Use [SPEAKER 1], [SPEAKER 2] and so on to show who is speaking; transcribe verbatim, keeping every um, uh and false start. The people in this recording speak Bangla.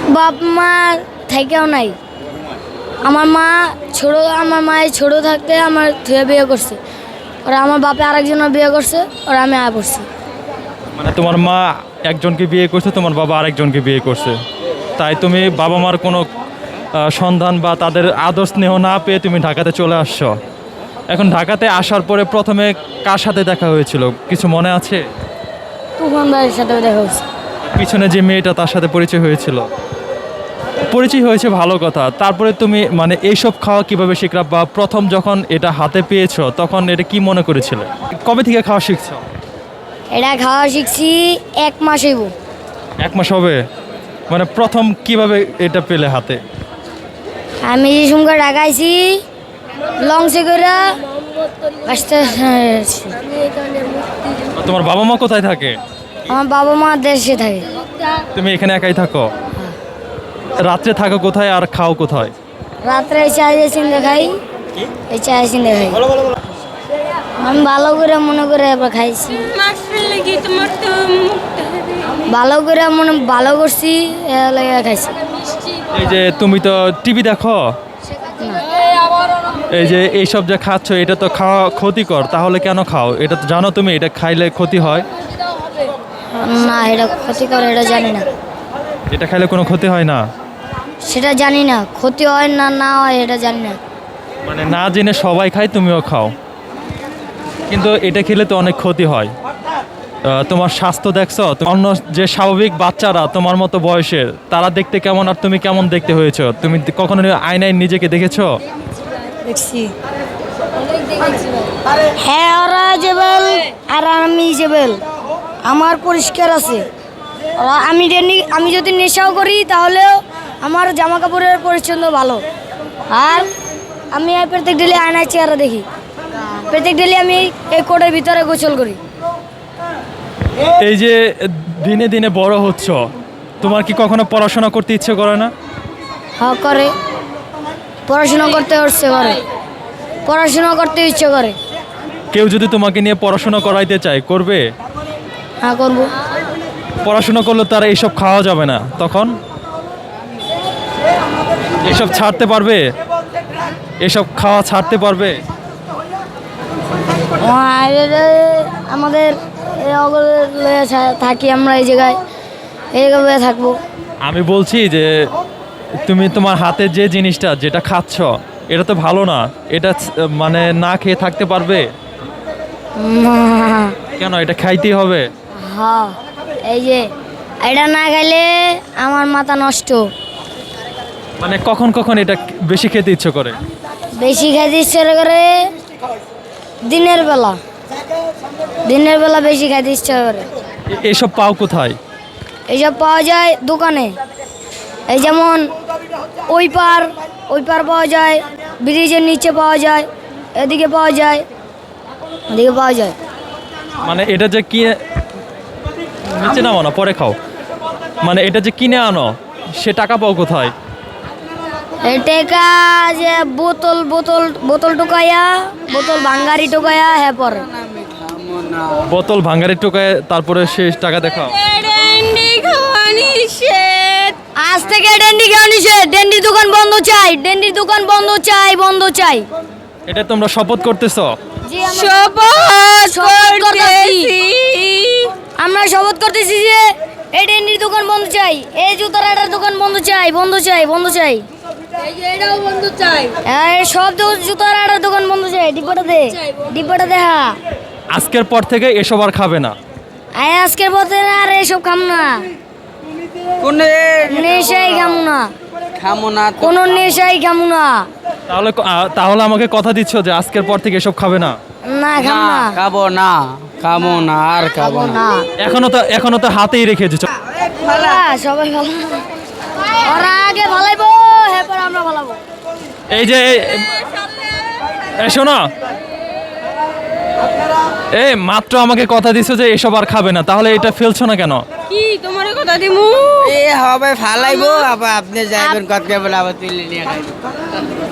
[SPEAKER 1] বাপ মা থেকেও নাই। আমার মা ছোট আমার মায়ের ছোট থাকতে আমার ধুয়ে বিয়ে করছে, ওরা আমার বাপে আরেকজনের বিয়ে করছে, ওরা আমি আয় পড়ছি।
[SPEAKER 2] মানে তোমার মা একজনকে বিয়ে করছে, তোমার বাবা আরেকজনকে বিয়ে করছে, তাই তুমি বাবা মার কোনো আহ, সন্ধান বা তাদের আদর স্নেহ না পেয়ে তুমি ঢাকাতে চলে আসছো। এখন ঢাকাতে আসার পরে প্রথমে কার সাথে দেখা হয়েছিল কিছু মনে আছে?
[SPEAKER 1] তুফান ভাইয়ের সাথে দেখা হয়েছে।
[SPEAKER 2] পিছনে যে মেয়েটা তার সাথে পরিচয় হয়েছিল, পরিচয় হয়েছে ভালো কথা। তারপরে তুমি মানে এইসব খাওয়া কিভাবে শিখলা, বা প্রথম যখন এটা হাতে পেয়েছো তখন এটা কি মনে করেছিলে? কবে থেকে খাওয়া শিখছো?
[SPEAKER 1] এটা খাওয়া শিখছি এক মাস হইব।
[SPEAKER 2] এক মাস হবে? মানে প্রথম কিভাবে এটা পেলে হাতে?
[SPEAKER 1] আমি যে সঙ্গে ঢাকাইছি লঞ্চে করে আসতে।
[SPEAKER 2] তোমার বাবা মা কোথায় থাকে?
[SPEAKER 1] আমার বাবা মা দেশে থাকে।
[SPEAKER 2] তুমি এখানে একাই থাকো? রাত্রে থাকো কোথায় আর খাও কোথায়?
[SPEAKER 1] রাত্রে এই চা চিন্তা খাই, এই চা চিন্তা খাই। আমি ভালো করে মনে করে এবার খাইছি, ভালো করে মনে ভালো করছি, এ লাগে খাইছি।
[SPEAKER 2] এই যে তুমি তো টিভি দেখো, এই যে এইসব যে খাচ্ছ এটা তো খাওয়া ক্ষতিকর, তাহলে কেন খাও? এটা তো জানো তুমি এটা খাইলে ক্ষতি হয়?
[SPEAKER 1] না, এটা ক্ষতি করে এটা জানি না।
[SPEAKER 2] এটা খাইলে কোনো ক্ষতি হয় না?
[SPEAKER 1] সেটা জানি না, ক্ষতি হয় না না হয় এটা জানি না।
[SPEAKER 2] মানে না জেনে সবাই খায়, তুমিও খাও, কিন্তু এটা খেলে তো অনেক ক্ষতি হয়। আহ, তোমার স্বাস্থ্য দেখছো? অন্য যে স্বাভাবিক বাচ্চারা তোমার মতো বয়সের, তারা দেখতে কেমন আর তুমি কেমন দেখতে হয়েছো? তুমি কখনো আয়নায় নিজেকে দেখেছো?
[SPEAKER 1] দেখছি। হ্যাঁ, ওরা জেবেল আর আমি জেবেল, আমার পরিষ্কার আছে। ওরা আমি ডেলি- আমি যদি নেশাও করি তাহলেও আমার জামা কাপড়ের পরিচ্ছন্ন ভালো। আর আমি এই প্রত্যেক ডেলি আয়নায় চেহারা দেখি, প্রত্যেক ডেলি আমি এই কোটের ভিতরে গোসল করি।
[SPEAKER 2] এই যে দিনে দিনে বড় হচ্ছ, তোমার কি কখনো পড়াশোনা করতে ইচ্ছে করে না?
[SPEAKER 1] হ্যাঁ করে, পড়াশোনা করতে ইচ্ছে করে, পড়াশোনা করতে ইচ্ছে করে।
[SPEAKER 2] কেউ যদি তোমাকে নিয়ে পড়াশোনা করাইতে চায়, করবে?
[SPEAKER 1] হ্যাঁ করবো।
[SPEAKER 2] পড়াশোনা করলে তারা এইসব খাওয়া যাবে না, তখন এসব ছাড়তে পারবে? এসব খাওয়া ছাড়তে পারবে?
[SPEAKER 1] আর আমাদের এই অগলে লইয়া থা- থাকি আমরা এই জায়গায়, এই জায়গায় থাকবো।
[SPEAKER 2] আমি বলছি যে তুমি তোমার হাতে যে জিনিসটা যেটা খাচ্ছ এটা তো ভালো না, এটা ছ- মানে না খেয়ে থাকতে পারবে?
[SPEAKER 1] উম,
[SPEAKER 2] কেন? এটা খাইতেই হবে?
[SPEAKER 1] হ্যাঁ, এই যে এটা না খাইলে আমার মাথা নষ্ট।
[SPEAKER 2] মানে কখন কখন এটা বেশি খেতে ইচ্ছে করে?
[SPEAKER 1] বেশি খাইতে ইচ্ছে করে দিনের বেলা, দিনের বেলা বেশি খাইতে ইচ্ছে করে।
[SPEAKER 2] এ- এসব পাও কোথায়?
[SPEAKER 1] এইসব পাওয়া যায় দোকানে, এই যেমন ওই পার, ওই পার পাওয়া যায়, ব্রিজের নিচে পাওয়া যায়, এদিকে পাওয়া যায়, এদিকে পাওয়া যায়।
[SPEAKER 2] মানে এটা যে কিনে নিচে নামো না, পরে খাও। মানে এটা যে কিনে আনো, সে টাকা পাও কোথায়?
[SPEAKER 1] এটা যে বোতল বোতল বোতল টোকাইয়া, বোতল ভাঙ্গারি টোকাইয়া, হ্যাঁ পরে
[SPEAKER 2] বোতল ভাঙারি টোকায় তারপরে সে টাকা দেখাও।
[SPEAKER 1] আজ থেকে ডেন্ডি খাওয়া নিষেধ, ডেন্ডির দোকান বন্ধ চাই, ডেন্ডির দোকান বন্ধ চাই, বন্ধ চাই।
[SPEAKER 2] এটা তোমরা শপথ করতেছো?
[SPEAKER 1] শপথ করতেছি, আমরা শপথ করতেছি যে এই ডেন্ডির দোকান বন্ধ চাই, এই জুতার আটার দোকান বন্ধ চাই, বন্ধ চাই, বন্ধ চাই,
[SPEAKER 3] এটাও বন্ধ চাই।
[SPEAKER 1] এই সব দো- জুতার আটার দোকান বন্ধ চাই। ডিব্বাটা দে, ডিব্বাটা দে। হ্যাঁ,
[SPEAKER 2] আজকের পর থেকে এসব আর খাবে না?
[SPEAKER 1] আয় আজকের পথে আর এসব খাম না,
[SPEAKER 3] কোনে
[SPEAKER 1] নেশাই খাম না,
[SPEAKER 3] খামো না তো।
[SPEAKER 1] কোনো নেশাই খাম না।
[SPEAKER 2] তাহলে ক- আ- তাহলে আমাকে কথা দিচ্ছ যে আজকের পর থেকে এসব খাবে না?
[SPEAKER 1] না খাম
[SPEAKER 3] না,
[SPEAKER 1] না,
[SPEAKER 3] খাবো না, খাবো না, আর খাবো
[SPEAKER 1] খাবো
[SPEAKER 3] না।
[SPEAKER 1] না।
[SPEAKER 2] এখনো তো এখনো তো হাতেই রেখেছো।
[SPEAKER 1] হ্যাঁ, সবাই ভালো, ওরা আগে ভালাইবো, এরপর আমরা ভালাবো।
[SPEAKER 2] এই যে এই- এই শোনো, এই মাত্র আমাকে কথা দিছো যে এসব আর খাবে না, তাহলে এটা ফেলছো না কেন?
[SPEAKER 4] কি তোমার কথা দিমু?
[SPEAKER 3] এ হবে ফালাইবো, আবার আপনি যাইবেন কত বলে আবার তুলে নিয়ে খাইবেন।